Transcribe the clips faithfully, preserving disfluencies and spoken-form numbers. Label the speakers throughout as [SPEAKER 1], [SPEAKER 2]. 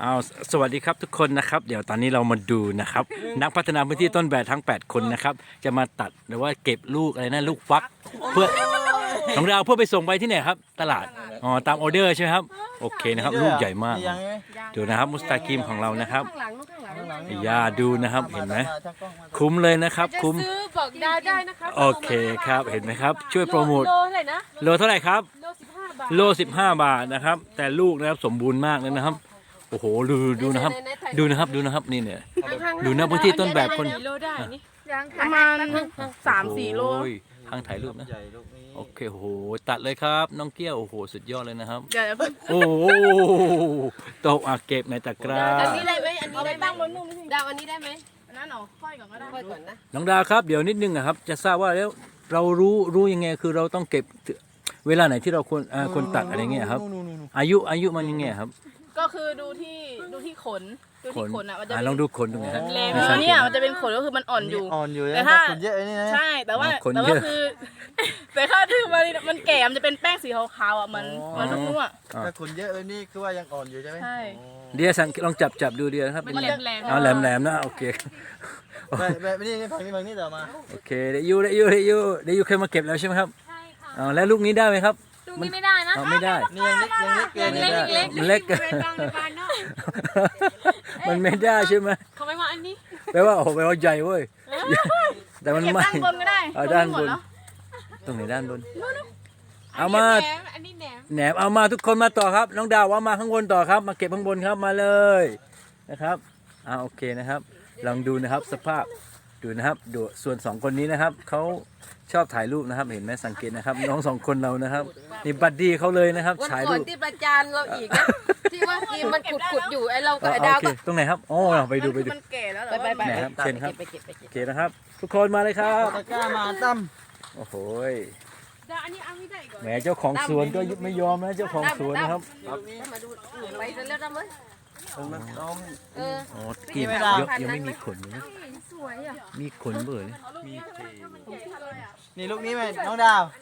[SPEAKER 1] เอาสวัสดีครับทุกคนนะครับเดี๋ยวตอนนี้เรามาดูนะครับนักพัฒนาพื้นที่ต้นแบบทั้งแปดคนนะครับจะมาตัดหรือว่าเก็บลูกอะไรนะลูกฟักเพื่อของเราเพื่อไปส่งไปที่ไหนครับตลาดอ๋อตามออเดอร์ใช่ไหมครับโอเคนะครับลูกใหญ่มากดูนะครับมุสตากิมของเรานะครับอย่าดูนะครับเห็นไหมคุ้มเลยนะครับคุ้ม
[SPEAKER 2] ซื้อบอกดาวได้นะครับ
[SPEAKER 1] โอเคครับเห็นไหมครับช่วยโปรโมท
[SPEAKER 2] โลเท่าไหร่นะ
[SPEAKER 1] โลเท่าไหร่ครับ
[SPEAKER 2] โลสิบห้าบาท
[SPEAKER 1] โลสิบห้าบาทนะครับแต่ลูกนะครับสมบูรณ์มากเลยนะครับโอ้โหดูดูนะครับดูนะครับดูนะครับนี่เนี่ยดูนะพื้นที่ต้นแบบคน
[SPEAKER 2] กี่โลได้นี่
[SPEAKER 3] ประมาณสามสี่โล
[SPEAKER 1] โอ้ยทางถ่ายรูปนะโอเคโอ้โหตัดเลยครับน้องเกี้ยวโอ้โหสุดยอดเลยนะครับ
[SPEAKER 3] เดี๋ยวเพิ่ง
[SPEAKER 1] โอ้โหตกอ่ะเก็บในตะกร้า
[SPEAKER 2] อันนี้ได้ไหมอันนี้ได้ตั้งบนนุ่มดาวอันนี้ได้ไหม
[SPEAKER 3] อันนั้นเหรอค่อยก่อนก็ได้
[SPEAKER 2] ค่อยก่อนนะ
[SPEAKER 1] น้องดาวครับเดี๋ยวนิดนึงอะครับจะทราบว่าแล้วเรารู้รู้ยังไงคือเราต้องเก็บเวลาไหนที่เราควรอ่าควรตัดอะไรเงี้ยครับอายุอายุมันยังไงครับ
[SPEAKER 3] ก็คือดูที่ดูที่ขนดูที่ขนอ่ะมันจะ
[SPEAKER 1] อ่าลองดูขนตรงไหนฮะ
[SPEAKER 3] แรง
[SPEAKER 1] ไม่ใช่
[SPEAKER 3] เนี่ยมันจะเป็นขนก็คือมันอ่อนอยู่
[SPEAKER 4] อ่อนอยู่
[SPEAKER 3] แต่
[SPEAKER 4] นะ
[SPEAKER 3] ถ้า
[SPEAKER 4] คนเยอะไอ้นี่นะ
[SPEAKER 3] ใช่แต่ว่า
[SPEAKER 1] ขน
[SPEAKER 3] แต่
[SPEAKER 1] เย
[SPEAKER 3] ว่า
[SPEAKER 1] อะ
[SPEAKER 3] คือ แต่ถ้าที่มันมันแก่มันจะเป็นแป้งสีขาวๆอ่ะมันมันลูกนุ่มอ่ะ
[SPEAKER 1] อ่า
[SPEAKER 4] ถ้าคนเยอะไอ้นี่คือว่ายังอ่อนอยู่ใช่ไหม
[SPEAKER 3] ใช่
[SPEAKER 1] เดียวสังลองจับจับดูเดียวนะครับ
[SPEAKER 3] มัน
[SPEAKER 1] เป็น
[SPEAKER 3] แหล
[SPEAKER 1] ไง
[SPEAKER 3] มแหลม
[SPEAKER 1] อ๋อแหลมแหลมนะโอเค
[SPEAKER 4] แบบแบบนี้นี่ฝั่งนี้ฝั่งนี้ต่อมา
[SPEAKER 1] โอเคเดยูเดยูเดยูเดยูเคยมาเก็บแล้วใช่ไหมครับ
[SPEAKER 2] ใช่ค่ะ
[SPEAKER 1] อ๋อแล้วลูกนี้ได้ไหมครับ
[SPEAKER 2] ลูกนี้ไม่ได้นะ
[SPEAKER 1] อ๋อไม่ได้
[SPEAKER 4] นี่ยังเล็กยังเล็กเกิน
[SPEAKER 1] ไม่ได้
[SPEAKER 2] เล็ก
[SPEAKER 1] มันเล็ก
[SPEAKER 2] เป็นบางในบ้านเนาะ
[SPEAKER 1] มันไม่ได้ใช่ไหม
[SPEAKER 2] เขาไม่ว่าอันนี้
[SPEAKER 1] แปลว่าโอ้โหแปลว่าใหญ่เว้ยแต่มัน
[SPEAKER 3] เก็บ
[SPEAKER 1] ไม่
[SPEAKER 3] ด้านบนก็ได้
[SPEAKER 1] เอาด้านบน
[SPEAKER 3] หมแล้ว
[SPEAKER 1] ตรงไหนด้านบนเอามา
[SPEAKER 2] แหนมอันนี้แหนม
[SPEAKER 1] แหนมเอามาทุกคนมาต่อครับน้องดาวว่ามาข้างบนต่อครับ มาเก็บข้างบนครับมาเลยนะครับอ่าโอเคนะครับ ลองดูนะครับสภาพดูนะครับดูส่วนสองคนนี้นะครับเขาชอบถ่ายรูปนะครับเห็นไหมสังเกตนะครับน้องสองคนเรานะครับนี่บัดดี้เขาเลยนะครับ
[SPEAKER 2] วัน
[SPEAKER 1] ถ่าย
[SPEAKER 2] ก่อ
[SPEAKER 1] รู
[SPEAKER 2] น
[SPEAKER 1] ป
[SPEAKER 2] ที่ประจานเราอีกนะที่ว่ากีมันขุดขุดๆอยู่ไอเรากับไอ
[SPEAKER 1] อ่า
[SPEAKER 2] ดาว
[SPEAKER 1] โอเค
[SPEAKER 2] ก็
[SPEAKER 1] ตรงไหนครับโอ้เราไปดูไปดู
[SPEAKER 3] มันแก่แล้ว
[SPEAKER 2] ไปไปไป
[SPEAKER 1] ไหนครับเชิญครับ
[SPEAKER 2] ไปเก็บไปเก็บ
[SPEAKER 1] โอเคนะครับ ทุกคนมาเลยครับ
[SPEAKER 4] ตะกร้ามาตั้ม
[SPEAKER 1] โอ้โห
[SPEAKER 2] ดาวอันนี้เอาไม่ได้ก่อน
[SPEAKER 1] แหมเจ้าของสวนก็ไม่ยอมนะเจ้าของสวนนะครับ
[SPEAKER 2] มาดูไปเสร็จแล้วดำเลย
[SPEAKER 4] มันน้อง
[SPEAKER 2] เออ
[SPEAKER 1] อ๋อกิน
[SPEAKER 4] ไม่ได้
[SPEAKER 1] เยอะยังไม่มีขนเลยนะ
[SPEAKER 2] สวยอ่ะ
[SPEAKER 1] มีขนเบื่อเลย
[SPEAKER 4] นี่ลูกนี้ไหมน้องดาว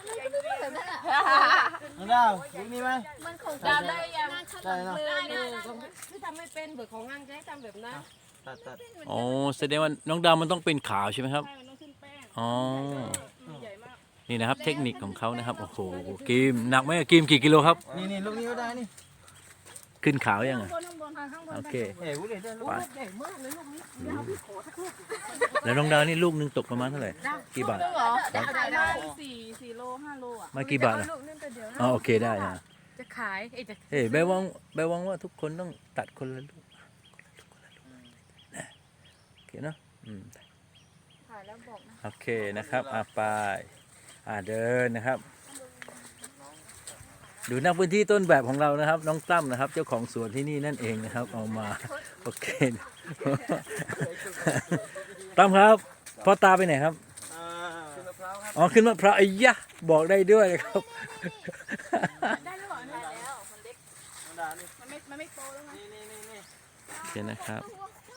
[SPEAKER 4] น้องดาวลูกนี้ไหม
[SPEAKER 2] ดาวได้ยัง
[SPEAKER 4] ได้เนาะ
[SPEAKER 2] ได้ได้ที่ทำไม่เป็นเบิกของงานจะให้ทำแบบนั้น
[SPEAKER 4] ตัดตัด
[SPEAKER 1] อ๋อแสดงว่าน้องดาวมันต้องเป็นขาวใช่ไหมครับ
[SPEAKER 3] ใช่มันต้องขึ้นแป้ง
[SPEAKER 1] อ๋อ
[SPEAKER 3] ใหญ่มาก
[SPEAKER 1] นี่นะครับเทคนิคของเขานะครับโอ้โหกิมหนักไหมกิมกี่กิโลครับ
[SPEAKER 4] นี่นี่ลูกนี้ก็ได้นี่
[SPEAKER 1] ขึ้นขาวยัง
[SPEAKER 3] ข้า
[SPEAKER 1] อ่ะ
[SPEAKER 3] งบนข้างบนข้างบน
[SPEAKER 1] โอเค
[SPEAKER 4] เฮ้ยวุ้ยได้ลูก
[SPEAKER 1] ไปแล้วน้องดาวนี่ลูกหนึงตกประมาณเท่าไหร่กี่บาท
[SPEAKER 3] เหรอได้ได้สี่สี่โลห้าโลอ่ะ
[SPEAKER 1] มากี่บาทอ่ะอ๋อโอเคได้นะ
[SPEAKER 2] จะขายไอ้จะ
[SPEAKER 1] เฮ้ยแบวังแบวังว่าทุกคนต้องตัดคนละลูกคนละลูกนะโอเคเนาะอืม
[SPEAKER 2] ขายแล้วบอกนะ
[SPEAKER 1] โอเคนะครับอ่ะไปอ่าเดินนะครับ ดูนักพื้นที่ต้นแบบของเรานะครับ น้องตั้มนะครับ เจ้าของสวนที่นี่นั่นเองนะครับ เอามาโอเค ตั้มครับพ่อตาไปไหนครับ
[SPEAKER 4] อ่าขึ้นมะพร้าวครับ
[SPEAKER 1] อ๋อขึ้นมะพร้าวไอ้ยะบอกได้ด้วยนะครับ
[SPEAKER 3] ได้แล้วเหรอได้แล้วมันเล็ก
[SPEAKER 4] น้องดาวนี่
[SPEAKER 3] มันไม่มันไม่โตแล้วไง
[SPEAKER 4] นี่นี่นี่นี่
[SPEAKER 1] โอเคนะครับ
[SPEAKER 3] เ